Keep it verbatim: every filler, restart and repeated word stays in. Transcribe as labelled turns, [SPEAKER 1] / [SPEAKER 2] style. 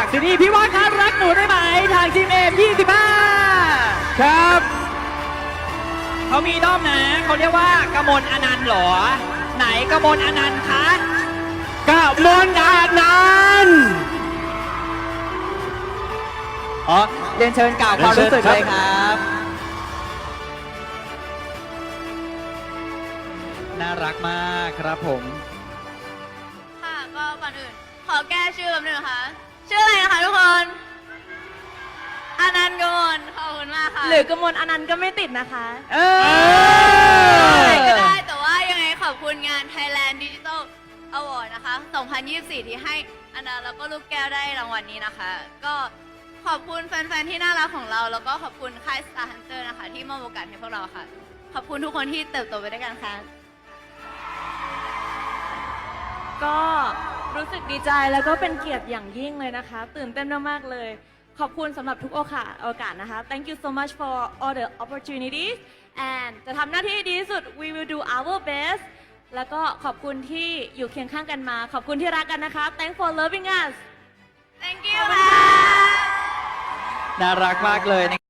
[SPEAKER 1] ซีรีส์พี่ว่าครับรักหนูได้ไหมทางทีมเอ็มยี่สิบห้า
[SPEAKER 2] ครับ
[SPEAKER 1] เขามีด้อมนะเขาเรียกว่ากมลอนันต์เหรอ ไหนกมลอนันต์คะ
[SPEAKER 2] กะมนอานันต์
[SPEAKER 1] อ๋อเรียนเชิญกล่าวความรู้สึกเลยครับ น่ารักมากครับผม
[SPEAKER 3] ค่ะก็ก่อนอื่นขอแก้ชื่อแป๊บนึงนะคะชื่ออะไรนะคะทุกคนอนันต์กมลขอบคุณมากค่ะ
[SPEAKER 4] หรือกมลอนันต์ก็ไม่ติดนะคะ
[SPEAKER 1] เอ
[SPEAKER 3] อะไรก็
[SPEAKER 1] อ
[SPEAKER 3] ได้แต่ว่ายังไงขอบคุณงาน Thailand Digital Award นะคะ สองพันยี่สิบสี่ ที่ให้อนันต์แล้วก็ลูกแก้วได้รางวัลนี้นะคะ ก็ขอบคุณแฟนๆที่น่ารักของเรา แล้วก็ขอบคุณค่าย Star Hunter นะคะ ที่มอบโอกาสให้พวกเราค่ะ ขอบคุณทุกคนที่เติบโตไปด้วยกันค่ะ
[SPEAKER 4] ก็รู้สึกดีใจแล้วก็เป็นเกียรติอย่างยิ่งเลยนะคะ ตื่นเต้นมากๆเลย ขอบคุณสำหรับทุกโอกาสโอกาสนะคะ Thank you so much for all the opportunities and จะทำหน้าที่ให้ดีที่สุด we will do our best แล้วก็ขอบคุณที่อยู่เคียงข้างกันมา ขอบคุณที่รักกันนะคะ Thanks for loving us
[SPEAKER 3] Thank you ค่ะ
[SPEAKER 1] น่ารักมากเลย